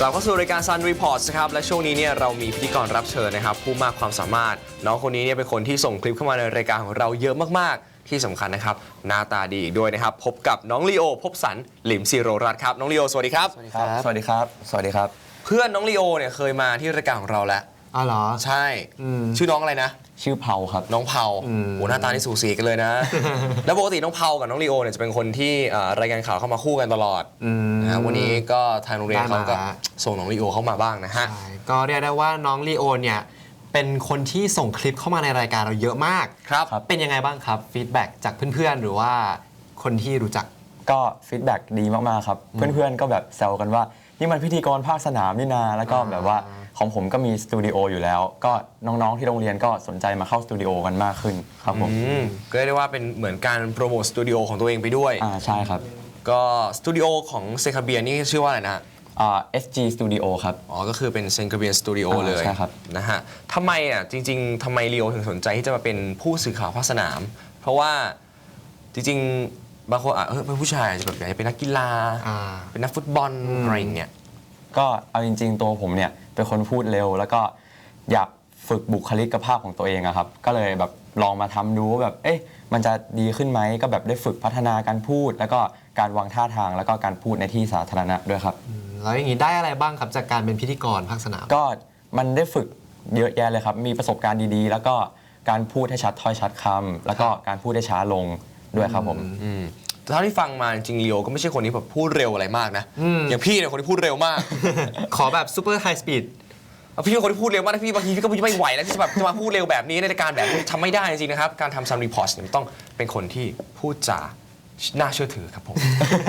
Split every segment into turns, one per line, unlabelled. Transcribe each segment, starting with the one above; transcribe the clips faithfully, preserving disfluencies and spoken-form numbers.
ลับเข้าสู่รายการ Sun Reports นะครับและช่วงนี้เนี่ยเรามีพิธีกรรับเชิญนะครับผู้มากความสามารถน้องคนนี้เนี่ยเป็นคนที่ส่งคลิปเข้ามาในรายการของเราเยอะมากๆที่สำคัญนะครับหน้าตาดีอีกด้วยนะครับพบกับน้องลีโอพบสันหลิมศิโรรัตน์ครับน้องลีโอสวัสดีครับสวัสดีครับ
สวัสดีครับ สวัสดีครับ
เพื่อนน้องลีโอเนี่ยเคยมาที่รายการของเราแล้ว
อ๋อเหรอ
ใช่ชื่อน้องอะไรนะ
ชื่อเผาครับ
น้องเผาโอ้หน้าตานี่สูสีกันเลยนะ แล้วปกติน้องเผากับน้องลีโอเนี่ยจะเป็นคนที่รายการข่าวเข้ามาคู่กันตลอดนะวันนี้ก็ทางโรงเรียนเขาก็ส่งน้องลีโอเข้ามาบ้างนะฮะ
ก็เรียกได้ว่าน้องลีโอเนี่ยเป็นคนที่ส่งคลิปเข้ามาในรายการเราเยอะมาก
ครับ
เป็นยังไงบ้างครับฟีดแบ็กจากเพื่อนๆหรือว่าคนที่รู้จัก
ก็ฟีดแบ็กดีมากๆครับเพื่อนๆก็แบบแซวกันว่านี่มันพิธีกรภาคสนามนี่นาแล้วก็แบบว่าของผมก็มีสตูดิโออยู่แล้วก็น้องๆที่โรงเรียนก็สนใจมาเข้าสตูดิโอกันมากขึ้นครับผม
ก็เรียกได้ว่าเป็นเหมือนการโปรโมทสตูดิโอของตัวเองไปด้วย
อ่าใช่ครับ
ก็สตูดิโอของเซคาเบียนี่ชื่อว่าอะไรนะ
อ่า เอส จี Studio ครับ
อ๋อก็คือเป็นเซคาเบียสตูดิโอเลย
ใช่ครับ
นะฮะทำไมอ่ะจริงๆทำไมลีโอถึงสนใจที่จะมาเป็นผู้สื่อข่าวภาคสนามเพราะว่าจริงๆบางคนอ่ะเออเป็นผู้ชายจะแบบอยากจะเป็นนักกีฬาเป็นนักฟุตบอลอะไรอย่างเงี้ย
ก็เอาจริงๆตัวผมเนี่ยเป็นคนพูดเร็วแล้วก็อยากฝึกบุคลิกภาพของตัวเองอะครับก็เลยแบบลองมาทำดูว่าแบบเอ๊ะมันจะดีขึ้นไหมก็แบบได้ฝึกพัฒนาการพูดแล้วก็การวางท่าทางแล้วก็การพูดในที่สาธารณะด้วยครับ
แล้วอย่างนี้ได้อะไรบ้างครับจากการเป็นพิธีกรภาคสนาม
ก็มันได้ฝึกเยอะแยะเลยครับมีประสบการณ์ดีๆแล้วก็การพูดให้ชัดถ้อยชัดคำแล้วก็การพูดได้ช้าลงด้วยครับผม
เท่าที่ฟังมาจริงๆลีโอก็ไม่ใช่คนที่แบบพูดเร็วอะไรมากนะอย่างพี่เนี่ยคนที่พูดเร็วมาก
ขอแบบซูเปอร์ไฮสปีด
พี่เป็นคนที่พูดเร็วมากนะพี่บางทีพี่ก็ไม่ไหวแล้วที่จะแบบจะมาพูดเร็วแบบนี้ในรายการแบบนี้ทำไม่ได้จริงๆนะครับการทำซัมรีพอร์ตเนี่ยต้องเป็นคนที่พูดจาน่าเชื่อถือครับผม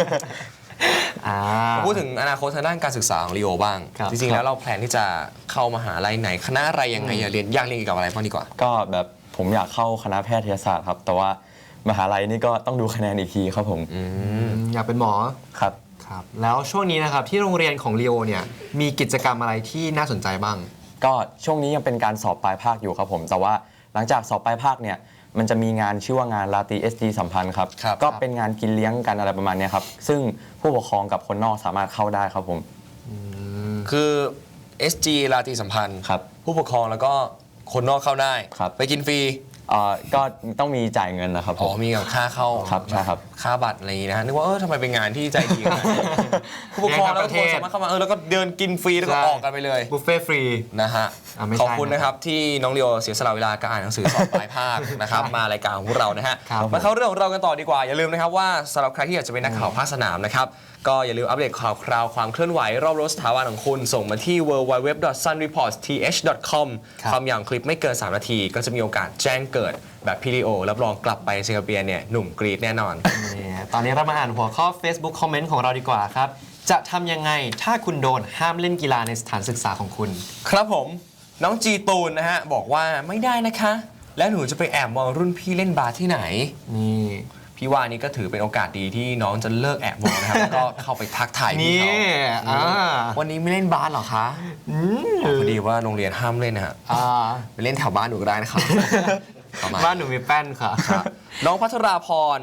พูดถึงอนาคตทางด้านการศึกษาของลีโอบ้างจริงๆแล้วเราแพลนที่จะเข้ามหาลัยไหนคณะอะไรยังไงเรียนอยากเรียนเกี่ยวกับอะไรบ้างดีกว่า
ก็แบบผมอยากเข้าคณะแพทยศาสตร์ครับแต่ว่ามหาลัยนี่ก็ต้องดูคะแนนอีกทีครับผม
อยากเป็นหมอ
ครับ
ครับแล้วช่วงนี้นะครับที่โรงเรียนของลีโอเนี่ยมีกิจกรรมอะไรที่น่าสนใจบ้าง
ก็ช่วงนี้ยังเป็นการสอบปลายภาคอยู่ครับผมแต่ว่าหลังจากสอบปลายภาคเนี่ยมันจะมีงานชื่อว่างานราตรี เอส จี สัมพันธ์ครับก็เป็นงานกินเลี้ยงกันอะไรประมาณนี้ครับซึ่งผู้ปกครองกับคนนอกสามารถเข้าได้ครับผม
คือ เอส จี ราตรีสัมพันธ์
ครับ
ผู้ปกครองแล้วก็คนนอกเข้าได้ไปกินฟรี
อ่าก็ต้องมีจ่ายเงินนะครับ
อ๋อมีกับค่าเข้า
ครับใช่ครับ
ค่าบัตรอะไรอย่างนี้นะนึกว่าเออทำไมเป็นงานที่ใจดีผู้ปกครองแล้วก็คนสามารถเข้ามาเออแล้วก็เดินกินฟรีแล้วก็ออกกันไปเลย
บุฟเฟ่ฟรี
นะฮะขอบคุณนะครับที่น้องลีโอเสียสละเวลาการอ่านหนังสือสอบปลายภาคนะครับมารายการของพวกเรานะฮะมาเข้าเรื่องของเรากันต่อดีกว่าอย่าลืมนะครับว่าสำหรับใครที่อยากจะเป็นนักข่าวภาคสนามนะครับก็อย่าลืมอัปเดตข่าวคราวความเคลื่อนไหวรอบรั้วสถาบันของคุณส่งมาที่ ดับเบิลยู ดับเบิลยู ดับเบิลยู ดอท ซัน รีพอร์ต ที เอช ดอท คอม ความยาวคลิปไม่เกินสามนาทีก็จะมีโอกาสแจ้งเกิดแบบพี่ลีโอรับรองกลับไปสิงคโปร์เนี่ยหนุ่มกรี๊ดแน่นอน
ตอนนี้เรามาอ่านหัวข้อ Facebook คอมเมนต์ของเราดีกว่าครับจะทำยังไงถ้าคุณโดนห้ามเล่นกีฬาในสถานศึกษาของคุณ
ครับผมน้องจีตูนนะฮะบอกว่าไม่ได้นะคะแล้วหนูจะไปแอบมองรุ่นพี่เล่นบาสที่ไหนนี่พี่ว่านี่ก็ถือเป็นโอกาสดีที่น้องจะเลิกแอบมองนะครับแล้วก็เข้าไปทักทายพี่เขาวันนี้ไม่เล่นบาสหรอคะพอดีว่าโรงเรียนห้ามเล่นนะฮะไปเล่นแถวบ้านหนูก็ได้นะครับ
บ้านหนูมีแป้นค่ะ
น้องพัทราพร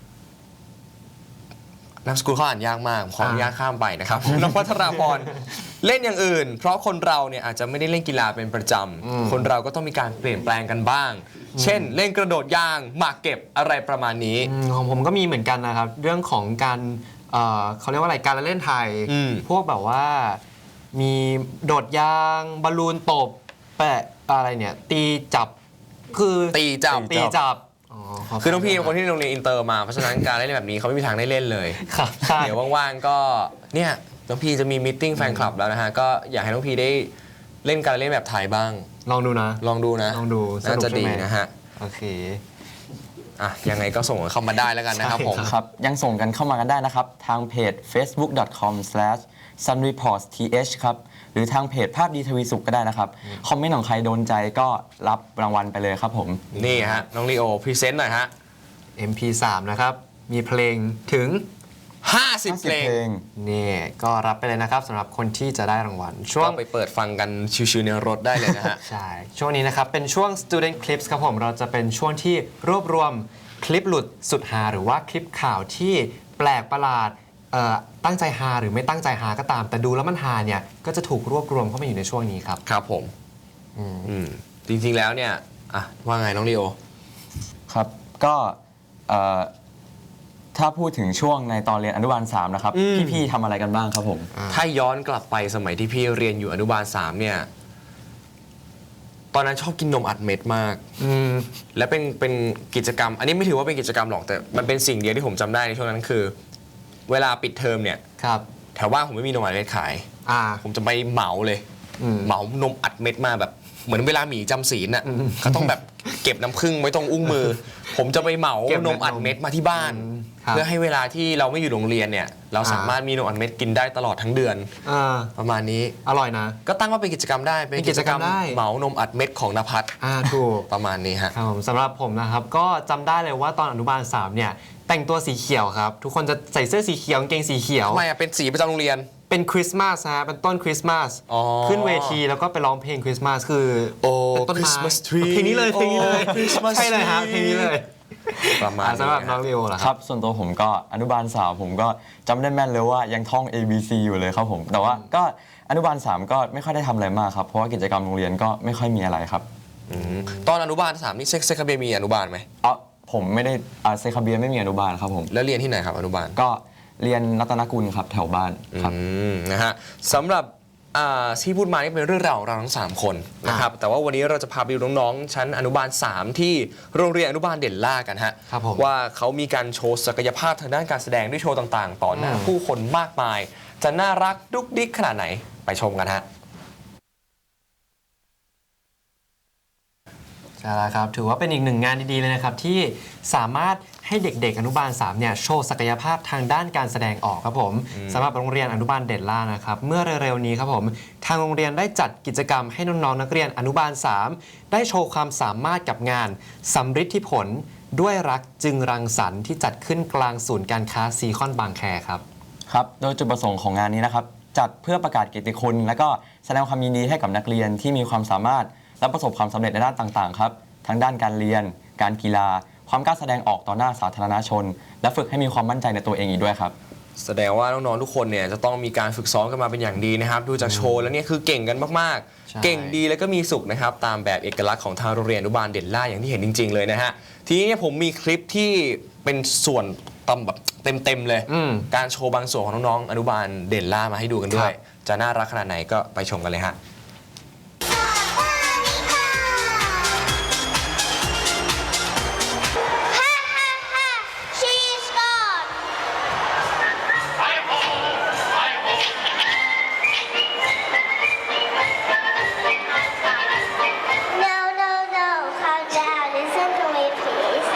นามสกุลเขาอ่านยากมากขออนุญาตข้ามไปนะครับน้องพัทราพรเล่นอย่างอื่นเพราะคนเราเนี่ยอาจจะไม่ได้เล่นกีฬาเป็นประจำคนเราก็ต้องมีการเปลี่ยนแปลงกันบ้างเช่นเล่นกระโดดยางหมากเก็บอะไรประมาณนี้
ของผมก็มีเหมือนกันนะครับเรื่องของการเขาเรียกว่าอะไรการเล่นไทยพวกแบบว่ามีโดดยางบอลลูนตบแปะอะไรเนี่ยตีจับคือ
ตีจับ
ตีจับ
คือน้องพี่เป็นคนที่โรงเรียนอินเตอร์มาเพราะฉะนั้นการเล่นแบบนี้เขาไม่มีทางได้เล่นเลยเดี๋ยวว่างๆก็เนี่ยน้องพี่จะมีมีตติ้งแฟนคลับแล้วนะฮะก็อยากให้น้องพี่ได้เล่นการเล่นแบบไทยบ้าง
ลองดูนะ
ลองดูนะ
ลองดู
น่าจะดีนะฮะ
โอเค
อ่ะยังไงก็ส่งเข้ามาได้แล้วกันนะครับผม
ครับยังส่งกันเข้ามากันได้นะครับทางเพจ เฟซบุ๊ก ดอท คอม สแลช ซัน รีพอร์ต ที เอช ครับหรือทางเพจภาพดีทวีสุขก็ได้นะครับคอมเมนต์ของใครโดนใจก็รับรางวัลไปเลยครับผม
นี่ฮะน้องลีโอพรีเซนต์หน่อยฮะ
เอ็ม พี สาม นะครับมีเพลงถึง
ห้าสิบเพลง
นี่ก็รับไปเลยนะครับสำหรับคนที่จะได้รางวัล
ช่วงไปเปิดฟังกันชิวๆในรถได้เลยนะฮะ
ใช่ช่วงนี้นะครับเป็นช่วง Student Clips ครับผมเราจะเป็นช่วงที่รวบรวมคลิปหลุดสุดฮาหรือว่าคลิปข่าวที่แปลกประหลาดเอ่อตั้งใจฮาหรือไม่ตั้งใจฮาก็ตาม แต่ดูแล้วมันฮาเนี่ยก็จะถูกรวบรวมเข้ามาอยู่ในช่วงนี้ครับ
ครับผมอืมจริงๆแล้วเนี่ยอ่ะว่าไงน้องลีโอ
ครับก็เอ่อถ้าพูดถึงช่วงในตอนเรียนอนุบาลสามนะครับ
อืม
พี่ๆทำอะไรกันบ้างครับผม
ถ้าย้อนกลับไปสมัยที่พี่เรียนอยู่อนุบาลสามเนี่ยตอนนั้นชอบกินนมอัดเม็ดมาก
อืม
และเป็นเป็นกิจกรรม อันนี้ไม่ถือว่าเป็นกิจกรรมหรอกแต่มันเป็นสิ่งเดียวที่ผมจำได้ในช่วงนั้นคือ เวลาปิดเทอมเนี่ย
ครับ
แถวบ้านผมไม่มีนมอัดเม็ดขาย
อ่า
ผมจะไปเหมาเลย
อืม
เหมานมอัดเม็ดมาแบบเหมือนเวลาหมีจำศีลน่ะ
อืม
เขาต้องแบบเก็บน้ำผึ้งไว้ตรงอุ้งมือ ผมจะไปเหมา
เก็บเม็
น
ด
มอัดเม็ดมาที่บ้าน
อืมครับ
เพื่อให้เวลาที่เราไม่อยู่โรงเรียนเนี่ยเราสามารถมีนมอัดเม็ดกินได้ตลอดทั้งเดือน
อ่า
ประมาณนี้
อร่อยนะ
ก็ตั้งว่าเป็นกิจกรรมได้
เป็นกิจกรรมได้
เหมานมอัดเม็ดของนภัส
อ่าถูก
ประมาณนี้ฮะ
ครับผมสำหรับผมนะครับก็จำได้เลยว่าตอนอนุบาลสามเนี่ยแต่งตัวสีเขียวครับ ทุกคนจะใส่เสื้อสีเขียวกางเกงสีเขียว
ทำไมอ่ะเป็นสีประจำโรงเรียน
เป็นคริสต์มาสฮะเป็นต้นคริสต์มาส
อ๋อ
ขึ้นเวทีแล้วก็ไปร้องเพลงคริสต์มาสคือ
โอ้
เป็นต้นไม้
Christmas tree
เพลงนี้เลยเพลงนี้เลย
โอ้ Christmas
ใช่เลยฮะ
tree
เพลงนี้เลย
ประมาณ
อ่ะ
นี้
สำหรับ
ฮะ
น้องเรียวล่ะ
ค
ค
รั
รับบ
ส่วนตัวผมก็อนุบาลสามผมก็จำได้แม่นเลยว่ายังท่อง A B C อยู่เลยครับผม แต่ว่าก็อนุบาลสามก็ไม่ค่อยได้ทำอะไรมากครับ เพราะว่ากิจกรรมโรงเรียนก็ไม่ค่อยมีอะไรครับ
อืมตอนอนุบาลสามนี่เซ็กเซ็กคาเบียมีอนุบาลไหม
เอ๋อผมไม่ได้อ่าเซคาเบียไม่มีอนุบาลครับผม
แล้วเรียนที่ไหนครับอนุบาล
ก็เรียนรัตนกุลครับแถวบ้านครับ
อืมนะฮะสำหรับอ่าที่พูดมานี่เป็นเรื่องราวของเราทั้งสามคนนะครับแต่ว่าวันนี้เราจะพาไปดูน้องๆชั้นอนุบาลสามที่โรงเรียนอนุบาลเด่นล่ากันฮะ
ครับผม
ว่าเขามีการโชว์ศักยภาพทางด้านการแสดงด้วยโชว์ต่างๆ ต่อหน้า
อืม
ผู้คนมากมาย จะน่ารักดุ๊กดิ๊กขนาดไหนไปชมกันฮะ
ใช่แล้วครับถือว่าเป็นอีกหนึ่งงานดีๆเลยนะครับที่สามารถให้เด็กๆอนุบาลสามเนี่ยโชว์ศักยภาพทางด้านการแสดงออกครับผมสำหรับโรงเรียนอนุบาลเด่นล่านะครับเมื่อเร็วๆนี้ครับผมทางโรงเรียนได้จัดกิจกรรมให้น้องๆนักเรียนอนุบาลสามได้โชว์ความสามารถกับงานสำฤทธิผลด้วยรักจึงรังสรรค์ที่จัดขึ้นกลางศูนย์การค้าซีคอนบางแคครับ
ครับ โดยจุดประสงค์ของงานนี้นะครับ จัดเพื่อประกาศเกียรติคุณ และก็แสดงความยินดีให้กับนักเรียนที่มีความสามารถและประสบความสำเร็จในด้านต่างๆครับ ทั้งด้านการเรียน การกีฬา ความกล้าแสดงออกต่อหน้าสาธารณชน และฝึกให้มีความมั่นใจในตัวเองอีกด้วยครับ
แสดงว่าน้องๆทุกคนเนี่ยจะต้องมีการฝึกซ้อมกันมาเป็นอย่างดีนะครับดูจากโชว์แล้วเนี่ยคือเก่งกันมาก
ใช่
ๆ เก่งดีแล้วก็มีสุขนะครับตามแบบเอกลักษณ์ของทางโรงเรียนอนุบาลเด่นล่าอย่างที่เห็นจริง ๆเลยนะฮะทีนี้เนี่ยผมมีคลิปที่เป็นส่วนตำแบบเต็มๆเลย
อืม
การโชว์บางส่วนของน้องๆอนุบาลเด่นล่ามาให้ดูกันด้วย จะน่ารักขนาดไหนก็ไปชมกันเลยฮะ
She's gone. No, no, no. Calm down. Listen to me, please.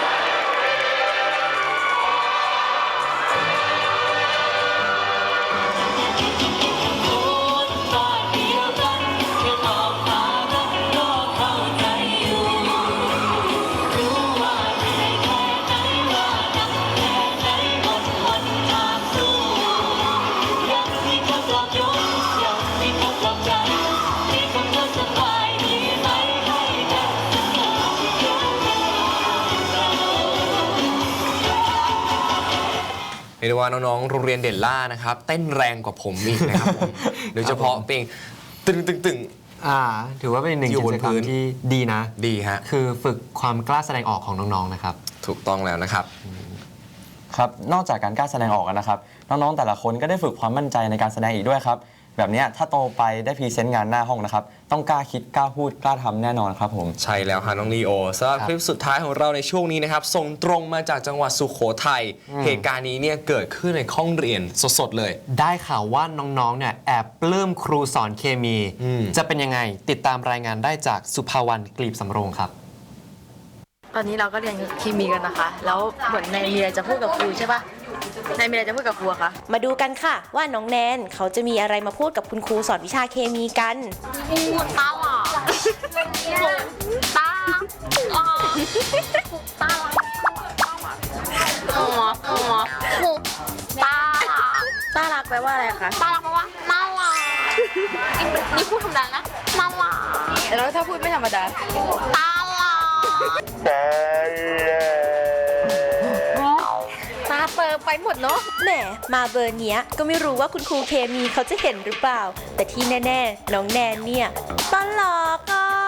เรียกได้ว่าน้องๆ โรงเรียนเด่นล่านะครับเต้นแรงกว่าผมอีกนะครับผม โดยเฉพาะเพลงตึงตึงตึง
อ่าถือว่าเป็นหนึ่ง
อยู่
กิ
บน
จกรร
พื้
ม
น
ที่ดีนะ
ดีฮะ
คือฝึกความกล้าแสดงออกของน้องๆนะครับ
ถูกต้องแล้วนะครับ
ครับ นอกจากการกล้าแสดงออกกันนะครับ น้องๆ แต่ละคนก็ได้ฝึกความมั่นใจในการแสดงอีกด้วยครับ แบบเนี้ยถ้าโตไปได้พรีเซนต์งานหน้าห้องนะครับ ต้องกล้าคิด กล้าพูด กล้าทำแน่นอนครับผม
ใช่แล้วฮะน้องลีโอสำหรับ
ครับ
คลิปสุดท้ายของเราในช่วงนี้นะครับส่งตรงมาจากจังหวัดสุโขทัยเหตุการณ์นี้เนี่ยเกิดขึ้นในห้องเรียนสดๆเลย
ได้ข่าวว่าน้องๆ เนี่ยแอบปลื้มครูสอนเคมี
อืม
จะเป็นยังไงติดตามรายงานได้จากสุภาวรรณกลีบสำโรงครับ
ตอนนี้เราก็เรียนเคมีกันนะคะ แล้วเหมือนนายมีอะไรจะพูดกับครูใช่ปะนายมีอะไรจะพูดกับครูอะคะ
มาดูกันค่ะว่าน้องแนนเขาจะมีอะไรมาพูดกับคุณครูสอนวิชาเคมีกัน
พูดตาหล่อตาอ๋อตาอ๋ออ๋อหูตา
ต้ารักแปลว่าอะไรคะ
ตาเพราะว่าน่ารักนี่พูดธรรมดานะน่ารัก
แล้วถ้าพูดไม่ธรรมดา
ตาหล่อตาเติมไปหมด
เนาะ
แหมมาเบอร์เนี้ยก็ไม่รู้ว่าคุณครูเคมีเขาจะเห็นหรือเปล่า แต่ที่แน่ๆ น้องแนนเนี่ยตลกอ่ะ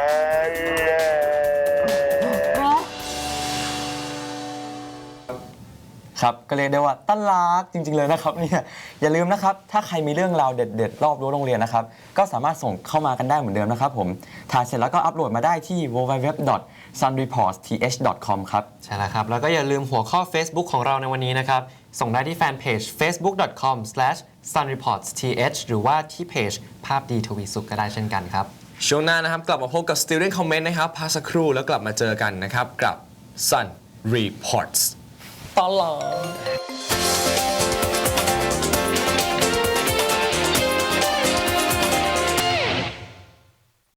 ครับก็เรียกได้ว่าตั้นรักจริงๆเลยนะครับเนี่ยอย่าลืมนะครับถ้าใครมีเรื่องราวเด็ดๆรอบรั้วโรงเรียนนะครับก็สามารถส่งเข้ามากันได้เหมือนเดิมนะครับผมถ่ายเสร็จแล้วก็อัปโหลดมาได้ที่ ดับเบิลยู ดับเบิลยู ดับเบิลยู ดอท ซันรีพอร์ต ที เอช ดอท คอม ครับ
ใช่แล้วครับ แล้วก็อย่าลืมหัวข้อ Facebook ของเราในวันนี้นะครับ ส่งได้ที่แฟนเพจ เฟซบุ๊ก ดอท คอม สแลช ซันรีพอร์ต ที เอช หรือว่าที่เพจภาพดีทวีสุขก็ได้เช่นกันครับ
ช่วงหน้านะครับกลับมาพบกับ Student Comment นะครับพักสักครู่แล้วกลับมาเจอกันนะครับกับ Sun Reports ตลอด